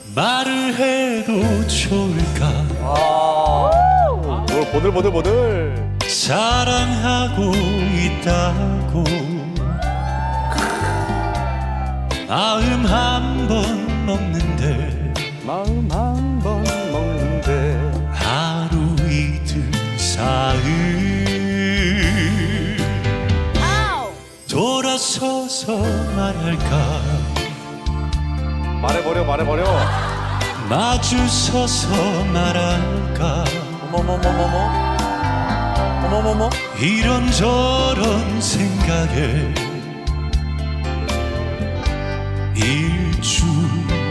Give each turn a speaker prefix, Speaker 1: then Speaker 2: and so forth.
Speaker 1: 말을 해도 좋을까?
Speaker 2: 뭘 보들보들.
Speaker 1: 사랑하고 있다고 마음 한 번 먹는데
Speaker 2: 마음 한 번 먹는데
Speaker 1: 하루 이틀 사흘 돌아서서 말할까
Speaker 2: 말해버려.
Speaker 1: 마주서서 말할까
Speaker 2: 어머머머.
Speaker 1: 이런저런 생각에 일주일